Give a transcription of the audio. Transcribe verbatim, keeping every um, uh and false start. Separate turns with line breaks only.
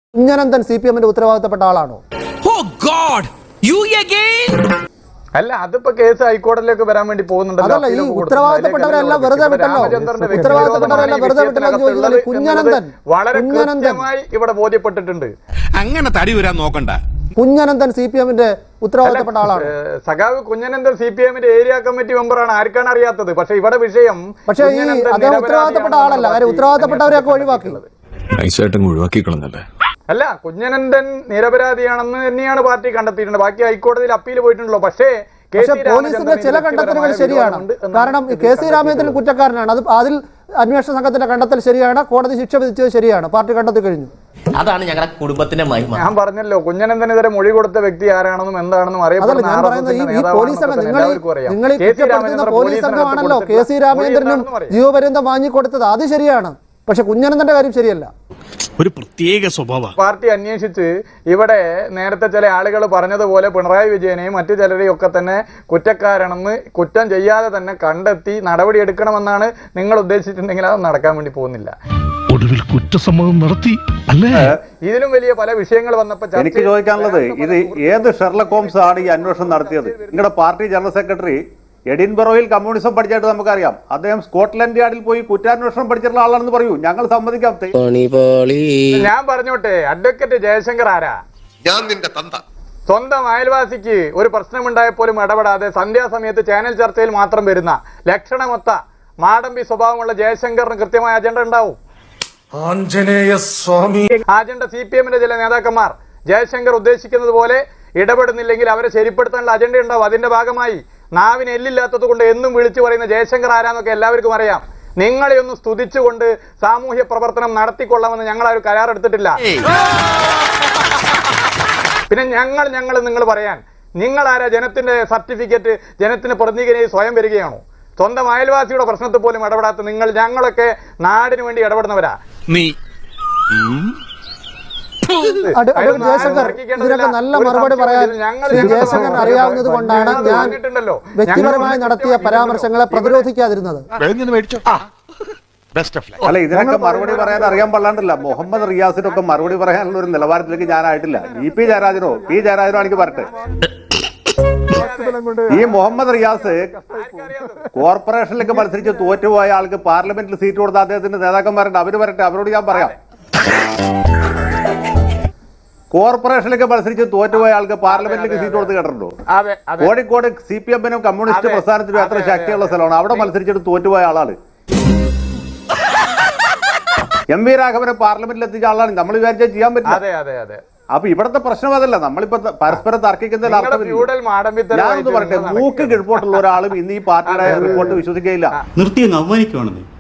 Kunhananthan C P എമ്മിന്റെ ഉത്തരവാദിത്തപ്പെട്ട ആളാണോ?
അല്ല, അതിപ്പോ കേസ് ഹൈക്കോടതിയിലേക്ക് വരാൻ വേണ്ടി പോകുന്നുണ്ടല്ലോ.
അതല്ല, ഈ ഉത്തരവാദിത്തപ്പെട്ടവരെല്ലാം വെറുതെ വിട്ടല്ലോ ഉത്തരവാദിത്തപ്പെട്ടവരെല്ലാം വെറുതെ വിട്ടല്ലോ ചോദിച്ചാൽ കുഞ്ഞനന്തൻ
വളരെ കൃത്യമായി ഇവിടെ ബോധ്യപ്പെട്ടിട്ടുണ്ട്.
അങ്ങനെ തടി വരാൻ നോക്കണ്ട.
കുഞ്ഞനന്തൻ സി പി എമ്മിന്റെ ഉത്തരവാദിത്തപ്പെട്ട ആളാണ്.
സഖാവ് കുഞ്ഞനന്തൻ സി പി എമ്മിന്റെ ഏരിയ കമ്മിറ്റി മെമ്പറാണ്. ആർക്കാണ് അറിയാത്തത്? പക്ഷെ ഇവിടെ വിഷയം
പക്ഷേ ഈ അദ്ദേഹം ഉത്തരവാദിത്തപ്പെട്ട ആളല്ല. കാര്യം ഉത്തരവാദിത്തപ്പെട്ടവരെയൊക്കെ ഒഴിവാക്കി
ഒഴിവാക്കിക്കളഞ്ഞല്ലേ.
അല്ല, കുഞ്ഞനന്തൻ നിരപരാധിയാണെന്ന് തന്നെയാണ് പാർട്ടി കണ്ടെത്തിയിട്ടുണ്ട്. ബാക്കി ഹൈക്കോടതിയിൽ അപ്പീൽ പോയിട്ടുണ്ടല്ലോ. പക്ഷേ
പോലീസിന്റെ ചില കണ്ടെത്തലുകൾ ശരിയാണ്. കാരണം കെ സി രാമചന്ദ്രൻ കുറ്റക്കാരനാണ്. അത് അതിൽ അന്വേഷണ സംഘത്തിന്റെ കണ്ടെത്തൽ ശരിയാണ്. കോടതി ശിക്ഷ വിധിച്ചത് ശരിയാണ്. പാർട്ടി കണ്ടെത്തി കഴിഞ്ഞു.
അതാണ് ഞങ്ങളുടെ കുടുംബത്തിന്റെ മഹിമ.
ഞാൻ പറഞ്ഞല്ലോ, കുഞ്ഞനന്തനെതിരെ മൊഴി കൊടുത്ത വ്യക്തി ആരാണെന്നും എന്താണെന്നും അറിയപ്പെടുന്ന
ഞാൻ പറയുന്നത് ഈ പോലീസ് സംഘം നിങ്ങൾ നിങ്ങൾ ഈ കുറ്റപ്പെടുത്തുന്ന പോലീസ് സംഘമാണല്ലോ കെ സി രാമചന്ദ്രനും ജീവപര്യന്തം വാങ്ങിക്കൊടുത്തത്. അത് ശരിയാണ്. പക്ഷെ കുഞ്ഞനന്തന്റെ കാര്യം ശരിയല്ല.
ഒരു പ്രത്യേക സ്വഭാവ
പാർട്ടി അന്വേഷിച്ച് ഇവിടെ നേരത്തെ ചില ആളുകൾ പറഞ്ഞതുപോലെ പിണറായി വിജയനെയും മറ്റു ചിലരെയും ഒക്കെ തന്നെ കുറ്റക്കാരാണെന്ന് കുറ്റം ചെയ്യാതെ തന്നെ കണ്ടെത്തി നടപടി എടുക്കണമെന്നാണ് നിങ്ങൾ ഉദ്ദേശിച്ചിട്ടുണ്ടെങ്കിൽ അത് നടക്കാൻ വേണ്ടി പോകുന്നില്ല.
ഒടുവിൽ കുറ്റസമ്മതം നടത്തി അല്ലേ?
ഇതിലും വലിയ പല വിഷയങ്ങൾ വന്നപ്പോൾ
എനിക്ക് ചോദിക്കാനുള്ളത്, ഇത് ഏത് ഷെർലക് ഹോംസ് ആണ് ഈ അന്വേഷണം നടത്തിയത്? നിങ്ങളുടെ പാർട്ടി ജനറൽ സെക്രട്ടറി എഡിൻബറോയിൽ കമ്മ്യൂണിസം പഠിച്ചായിട്ട് നമുക്കറിയാം. അദ്ദേഹം സ്കോട്ട്ലൻഡ് യാർഡിൽ പോയി കുറ്റാന്വേഷണം പഠിച്ചിട്ടുള്ള ആളാണെന്ന് പറയൂ, ഞങ്ങൾ സമ്മതിക്കാം.
ഞാൻ പറഞ്ഞോട്ടെ, അഡ്വക്കേറ്റ് ജയശങ്കർ ആരാ?
ഞാൻ നിന്റെ തന്ത.
സ്വന്തം അയൽവാസിക്ക് ഒരു പ്രശ്നമുണ്ടായപ്പോലും ഇടപെടാതെ സന്ധ്യാസമയത്ത് ചാനൽ ചർച്ചയിൽ മാത്രം വരുന്ന ലക്ഷണമൊത്ത മാടമ്പി സ്വഭാവമുള്ള ജയശങ്കറിന് കൃത്യമായ അജണ്ട ഉണ്ടാവും. അജണ്ട സി പി എമ്മിന്റെ ചില നേതാക്കന്മാർ ജയശങ്കർ ഉദ്ദേശിക്കുന്നത് പോലെ ഇടപെടുന്നില്ലെങ്കിൽ അവരെ ശരിപ്പെടുത്താനുള്ള അജണ്ട ഉണ്ടാവും. അതിന്റെ ഭാഗമായി നാവിന് എല്ലില്ലാത്തത് കൊണ്ട് എന്നും വിളിച്ചു പറയുന്ന ജയശങ്കർ ആരാന്നൊക്കെ എല്ലാവർക്കും അറിയാം. നിങ്ങളെ ഒന്ന് സ്തുതിച്ചുകൊണ്ട് സാമൂഹ്യ പ്രവർത്തനം നടത്തിക്കൊള്ളാമെന്ന് ഞങ്ങൾ ആ ഒരു കരാറെടുത്തിട്ടില്ല. പിന്നെ ഞങ്ങൾ ഞങ്ങൾ നിങ്ങൾ പറയാൻ നിങ്ങൾ ആരാ? ജനത്തിന്റെ സർട്ടിഫിക്കറ്റ് ജനത്തിന് പ്രതിനിധിയായി സ്വയം വരികയാണോ? സ്വന്തം അയൽവാസിയുടെ പ്രശ്നത്തിൽ പോലും ഇടപെടാത്ത നിങ്ങൾ, ഞങ്ങളൊക്കെ നാടിന് വേണ്ടി ഇടപെടുന്നവരാ.
നീ
ജയശങ്കർ ഇതിനൊക്കെ നല്ല മറുപടി പറയാൻ ജയശങ്കർ അറിയാവുന്നത് കൊണ്ടാണ് ഞാൻ വ്യക്തിപരമായി നടത്തിയ പരാമർശങ്ങളെ പ്രതിരോധിക്കാതിരുന്നത്.
അല്ല, ഇതിനൊക്കെ മറുപടി പറയാൻ അറിയാൻ പാടില്ല. മുഹമ്മദ് റിയാസിനൊക്കെ മറുപടി പറയാനുള്ള ഒരു നിലവാരത്തിലേക്ക് ഞാനായിട്ടില്ല. ഇ പി ജയരാജനോ പി ജയരാജനോ എനിക്ക് പറട്ടെ. ഈ മുഹമ്മദ് റിയാസ് കോർപ്പറേഷനിലേക്ക് മത്സരിച്ച് തോറ്റുപോയ ആൾക്ക് പാർലമെന്റിൽ സീറ്റ് കൊടുത്ത അദ്ദേഹത്തിന്റെ നേതാക്കന്മാരുണ്ട്, അവര് വരട്ടെ, അവരോട് ഞാൻ പറയാം. കോർപ്പറേഷനിലേക്ക് മത്സരിച്ച് തോറ്റുപോയ ആൾക്ക് പാർലമെന്റിലേക്ക് സീറ്റ് കൊടുത്ത് കേട്ടിട്ടുണ്ടോ? കോഴിക്കോട് സി പി എമ്മിനും കമ്മ്യൂണിസ്റ്റ് പ്രസ്ഥാനത്തിനും എത്ര ശക്തിയുള്ള സ്ഥലമാണ്. അവിടെ മത്സരിച്ചിട്ട് തോറ്റുപോയ ആളാണ്. എം വി രാഘവനെ പാർലമെന്റിൽ എത്തിച്ച ആളാണ്. നമ്മൾ വിചാരിച്ചാൽ ചെയ്യാൻ പറ്റില്ല. അപ്പൊ ഇവിടത്തെ പ്രശ്നം അതല്ല. നമ്മളിപ്പോ പരസ്പരം തർക്കിക്കുന്നതിൽ അർത്ഥമില്ല. ഞാനൊന്ന് പറയട്ടെ, മൂക്ക് കിഴപ്പോട്ടുള്ള ഒരാളും ഇന്ന് ഈ പാർട്ടിയുടെ റിപ്പോർട്ട് വിശ്വസിക്കുകയില്ല.
നിർത്തി അവമാനിക്കുവാണെന്ന്